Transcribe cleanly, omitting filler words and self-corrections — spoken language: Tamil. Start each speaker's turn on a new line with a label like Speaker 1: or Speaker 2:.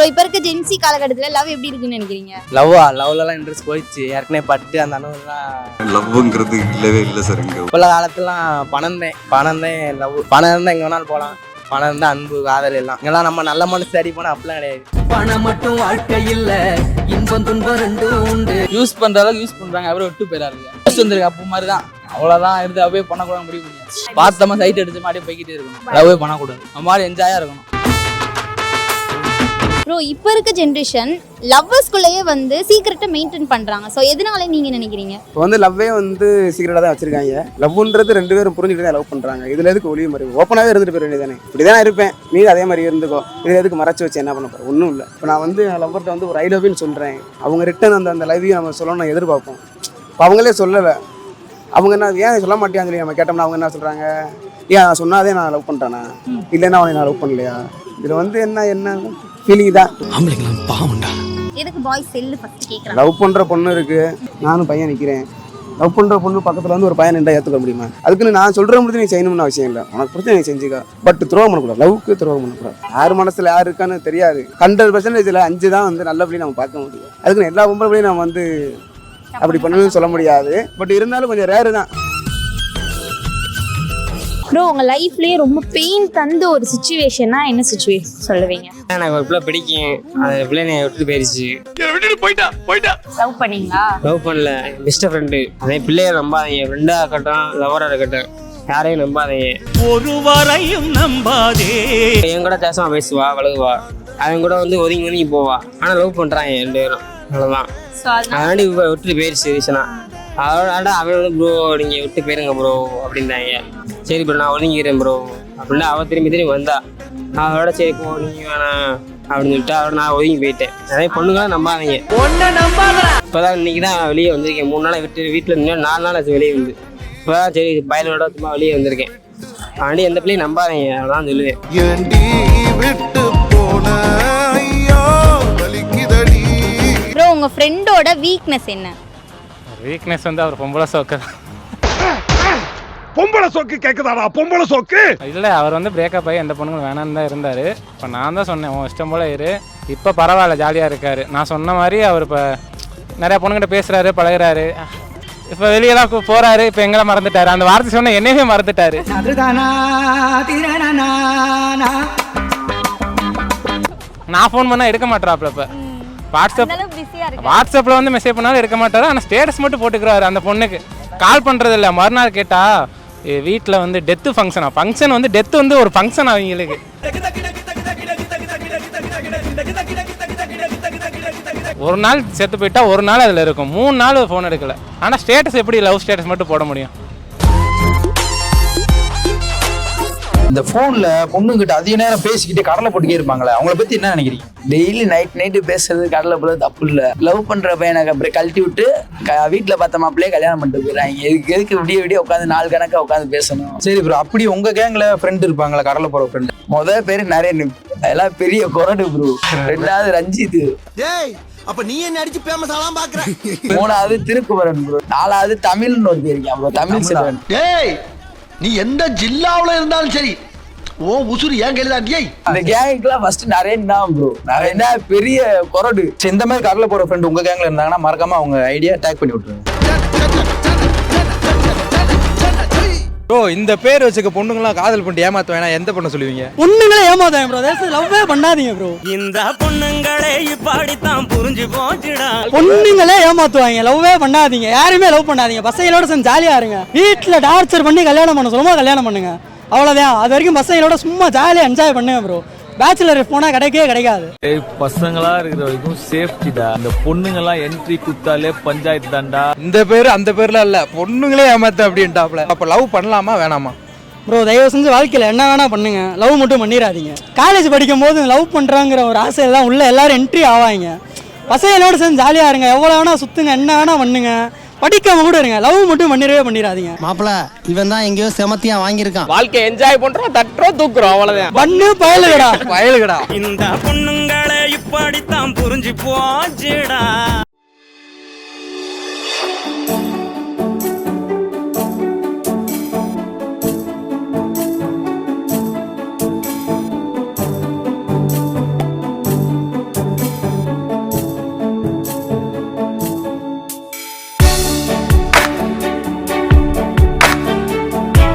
Speaker 1: ப்ரோ இப்போ இருக்க ஜென்சி காலகட்டத்தில் லவ் எப்படி இருக்குன்னு நினைக்கிறீங்க?
Speaker 2: லவ்லலாம் இன்ட்ரெஸ்ட் போயிடுச்சு. ஏற்கனவே பட்டு அந்த அனுபவம்லாம்
Speaker 3: லவ்ங்கிறது இல்லவே இல்லை சார். இங்கே
Speaker 2: இப்போல காலத்துலாம் பணம் தான் லவ். பணம் இருந்தால் எங்கே வேணாலும் போகலாம். பணம் இருந்தால் அன்பு காதல் எல்லாம் இங்கெல்லாம் நம்ம நல்ல மனசு சரி போனால் அப்படிலாம் கிடையாது.
Speaker 4: பணம் மட்டும் வாழ்க்கை இல்ல, இன்பம் துன்பம் ரெண்டும் உண்டு.
Speaker 5: யூஸ் பண்ற அளவுக்கு யூஸ் பண்றாங்க, அப்புறம் விட்டு போயிடாருங்க. வந்துருக்கு அப்போ மாதிரி தான். அவ்வளோதான் எடுத்து அப்படியே பண்ணக்கூட முடிவு பண்ணியாச்சு. பார்த்தமா சைட் எடுத்து மாதிரி போய்கிட்டே இருக்கணும். லவ்வே பண்ணக்கூடாது. நம்ம மாதிரி என்ஜாயா இருக்கணும்.
Speaker 1: ப்ரோ இப்போ இருக்க ஜென்ரேஷன் லவ்வர்ஸ்குள்ளேயே வந்து சீக்கிரட்டை மெயின்டைன் பண்ணுறாங்க. ஸோ எதனால நீங்கள் நினைக்கிறீங்க?
Speaker 6: இப்போ வந்து லவ்வே வந்து சீக்கிரட்டாக தான் வச்சிருக்காங்க. லவ்ன்றது ரெண்டு பேரும் புரிஞ்சுட்டு தான் லவ் பண்ணுறாங்க. இதில் எதுக்கு ஒளிவு மாதிரி ஓப்பனாகவே இருந்துட்டு போயிட வேண்டியதானே. இப்படி தான் இருப்பேன், நீ அதே மாதிரி இருந்துக்கோ. இதில் எதுக்கு மறைச்சி வச்சு என்ன பண்ண போகிறேன்? ஒன்றும் இல்லை. இப்போ நான் வந்து லவ்வர்கிட்ட வந்து ஒரு ஐ லவ்னு சொல்கிறேன். அவங்க ரிட்டன் அந்த லவ்வையும் நம்ம சொல்லணும்னு எதிர்பார்ப்போம். இப்போ அவங்களே சொல்லலை. அவங்க என்ன ஏன் சொல்ல மாட்டேன்னு சொல்லி நம்ம கேட்டோம்னா அவங்க என்ன சொல்கிறாங்க, ஏன் நான் சொன்னாதே நான் லவ் பண்ணுறேன்னா, இல்லைன்னா அவனை நான் லவ் பண்ணலையா? இதில் வந்து என்ன ஃபீலிங் தான்.
Speaker 1: எதுக்கு பாய்ஸ் செல்லு ஃபர்ஸ்ட் கேட்குறாங்க?
Speaker 6: லவ் பண்ணுற பொண்ணு இருக்குது, நானும் பையன் நிற்கிறேன். லவ் பண்ணுற பொண்ணு பக்கத்தில் வந்து ஒரு பையன் நின்றா ஏற்றுக்க முடியுமா? அதுக்குன்னு நான் சொல்கிற முடிஞ்சு நீ செய்யணும்னு அவசியம் இல்லை. உனக்கு பிடிச்ச நீ செஞ்சுக்கா. பட் துரோகம் பண்ணக்கூடாது. லவ்வுக்கு துரோகம் பண்ணக்கூடாது. யார் மனசில் யார் இருக்கான்னு தெரியாது. 100% 5 தான் வந்து நல்லபடியும் நம்ம பார்க்க முடியும். அதுக்குன்னு எல்லா பொம்பளையும் நம்ம வந்து அப்படி பண்ணணும்னு சொல்ல முடியாது. பட் இருந்தாலும் கொஞ்சம் ரேரு தான்.
Speaker 7: ப்ரோ உங்கள் லைஃப்லேயே ரொம்ப பெயின் தந்த ஒரு சுச்சுவேஷன்னா என்ன சுச்சுவேஷன் சொல்லுவீங்க?
Speaker 8: எனக்கு ஒரு பிள்ளை பிடிக்கும், அந்த பிள்ளை என்னை விட்டு போயிடுச்சு.
Speaker 7: லவ் பண்ணீங்களா?
Speaker 8: லவ் பண்ணல, பெஸ்ட் ஃப்ரெண்டு. அதே பிள்ளைய நம்பாதீங்க. ஃப்ரெண்டாக இருக்கட்டும், லவராக இருக்கட்டும், யாரையும் நம்பாதீங்க.
Speaker 4: ஒருவரையும் நம்பாதே.
Speaker 8: என் கூட பேசாம பேசுவா, பழகுவா. அவன் கூட வந்து ஒதுங்கி போவா. ஆனால் லவ் பண்ணுறாங்க 2 பேரும். அவ்வளோதான். அதனாடி விட்டு போயிடுச்சு ரீசனா. அதோட அவன் வந்து ப்ரோ நீங்கள் விட்டு போயிருங்க ப்ரோ அப்படின்றாங்க. சரி ப்ரோ நான் ஒதுங்கிக்கிறேன் ப்ரோ அப்படின்னா அவன் திரும்பி வந்தா. அதோட சரி போ நீங்கள் வேணாம் அப்படின்னு சொல்லிட்டு அவரோட நான் ஒதுங்கி போயிட்டேன். நிறைய பொண்ணுங்களாம் நம்பாதீங்க. இப்போதான் இன்னைக்கு தான் வெளியே வந்திருக்கேன். 3 நாள் வீட்டில் இருந்து 4 நாள் ஆச்சு வெளியே வந்து. இப்போதான் சரி பயலோட சும்மா வெளியே வந்திருக்கேன். அதனாடி எந்த பிள்ளையும் நம்பாதீங்க, அதான் சொல்லுவேன்.
Speaker 1: ப்ரோ உங்கள் ஃப்ரெண்டோட வீக்னஸ் என்ன?
Speaker 9: வீக்னஸ் வந்து அவர் பொம்பளை சோக்கு.
Speaker 10: பொம்பளை சோக்கு கேட்குதாடா? பொம்பளை சோக்கு
Speaker 9: இல்லை, அவர் வந்து பிரேக்கப் ஆகி எந்த பொண்ணுங்களும் வேணான்னு தான் இருந்தார். இப்போ நான் தான் சொன்னேன் உன் இஷ்டம் போல இரு. இப்போ பரவாயில்ல, ஜாலியாக இருக்கார். நான் சொன்ன மாதிரி அவர் இப்போ நிறையா பொண்ணுகிட்ட பேசுகிறாரு, பழகுறாரு. இப்போ வெளியெல்லாம் போகிறாரு. இப்போ எங்களை மறந்துட்டாரு. அந்த வார்த்தை சொன்ன என்னையுமே மறந்துட்டாரு. நான் ஃபோன் பண்ணால் எடுக்க மாட்டேறாப்புல. இப்போ வாட்ஸ்அப்பில் வந்து மெசேஜ் பண்ணாலும் எடுக்க மாட்டாரு. ஆனால் ஸ்டேட்டஸ் மட்டும் போட்டுக்கிறாரு. அந்த பொண்ணுக்கு கால் பண்ணுறது இல்லை. மறுநாள் கேட்டால் வீட்டில் வந்து டெத்து ஃபங்க்ஷன் வந்து டெத்து வந்து ஒரு ஃபங்க்ஷன் அவங்களுக்கு. ஒரு நாள் செத்து போயிட்டா ஒரு நாள் அதில் இருக்கும். 3 நாள் ஃபோன் எடுக்கல. ஆனால் ஸ்டேட்டஸ் எப்படி லவ் ஸ்டேட்டஸ் மட்டும் போட முடியும்?
Speaker 5: இந்த போன்ல பொண்ணுங்கிட்ட அதிக நேரம் பேசிக்கிட்டு கடலை போட்டுக்கே இருப்பாங்களே, அவங்கள பத்தி என்ன நினைக்கிறீங்க?
Speaker 2: டெய்லி நைட்டு பேசுறது கடலை போல தப்பு இல்லை. லவ் பண்ணுற பையனுக்கு அப்புறம் கழட்டி விட்டு வீட்டில் பார்த்த மாப்பிள்ளையே கல்யாணம் பண்ணிட்டு போயிடறாங்க. எதுக்கு விடிய உட்காந்து 4 கணக்காக உட்காந்து பேசணும்?
Speaker 5: சரி ப்ரோ, அப்படி உங்க கேங்ல ஃப்ரெண்ட் இருப்பாங்களா கடலை போற ஃப்ரெண்ட்?
Speaker 2: முதல் பேர் நரேன், அதெல்லாம் பெரிய கொரடு ப்ரோ. 2வது ரஞ்சித்.
Speaker 4: அப்ப நீ என்ன அடிச்சு பேமஸ் ஆலாம் பாக்குற?
Speaker 2: 3வது திருக்குமரன் ப்ரோ. 4வது தமிழ்னு ஒரு பேர் இருக்கான் ப்ரோ, தமிழ் செல்வன்.
Speaker 4: டேய் நீ எந்த ஜில்லாவுல இருந்தாலும் சரி ஓ உசுறு ஏன் கையில.
Speaker 2: இந்த கேங்குக்குலாம் ஃபர்ஸ்ட் நரேன் தான் ப்ரோ. நரேன் தான் பெரிய கொரடு.
Speaker 5: இந்த மாதிரி கடலை போற ஃப்ரெண்ட் உங்க கேங்ல இருந்தாங்கன்னா மறக்காம அவங்க ஐடியா டேக் பண்ணி விட்டுருங்க.
Speaker 11: ப்ரோ இந்த பேர் வச்சுக்க பொண்ணுங்களாம் காதல் பண்ணிட்டு ஏமாத்த வேணா எந்த பொண்ணு சொல்லுவீங்க?
Speaker 12: பொண்ணுங்களே ஏமாத்தாங்க ப்ரோ. லவ்வே பண்ணாதீங்க ப்ரோ.
Speaker 4: இந்த பொண்ணுங்களே இப்படித்தான் புரிஞ்சு போச்சுடா.
Speaker 12: பொண்ணுங்களே ஏமாத்துவாங்க. லவ்வே பண்ணாதீங்க. யாருமே லவ் பண்ணாதீங்க. பசங்களோட சேர்ந்து ஜாலியா இருங்க. வீட்டுல டார்ச்சர் பண்ணி கல்யாணம் பண்ண சொல்லுமா கல்யாணம் பண்ணுங்க. அவ்வளவுதான். அது வரைக்கும் பசங்களோட சும்மா ஜாலியா என்ஜாய் பண்ணுங்க ப்ரோ. பேச்சுலர் போனா கிடைக்காது.
Speaker 13: பசங்களா இருக்கிற வரைக்கும் சேஃப்டிடா. இந்த பொண்ணுங்கெல்லாம் என்ட்ரி குத்தாலே பஞ்சாயத்து தான்டா.
Speaker 11: இந்த பேரு அந்த பேர்ல இல்ல, பொண்ணுங்களே ஏமாத்த அப்படின்ட்டாப்ல. அப்ப லவ் பண்ணலாமா வேணாமா?
Speaker 12: ப்ரோ தயவு செஞ்சு வாழ்க்கையில் என்ன வேணா பண்ணுங்க, லவ் மட்டும் பண்ணிடாதீங்க. காலேஜ் படிக்கும் போது லவ் பண்ணுறாங்கிற ஒரு ஆசையில் தான் உள்ள எல்லாரும் என்ட்ரி ஆவாங்க. பசங்களோட சேர்ந்து ஜாலியாக இருங்க. எவ்வளோ வேணா சுற்றுங்க, என்ன வேணா பண்ணுங்க. படிக்காம கூட இருங்க. லவ் மட்டும் பண்ணிடாதீங்க.
Speaker 4: மாப்பிள இவன் தான் எங்கேயோ செமத்தியா வாங்கியிருக்கான்.
Speaker 2: வாழ்க்கை என்ஜாய் பண்றோம், தட்டுறோம், தூக்குறோம், அவ்வளவுதான்.
Speaker 12: பண்ணு பயலுகடா.
Speaker 4: இந்த பொண்ணுங்களே இப்படித்தான் புரிஞ்சு போச்சுடா.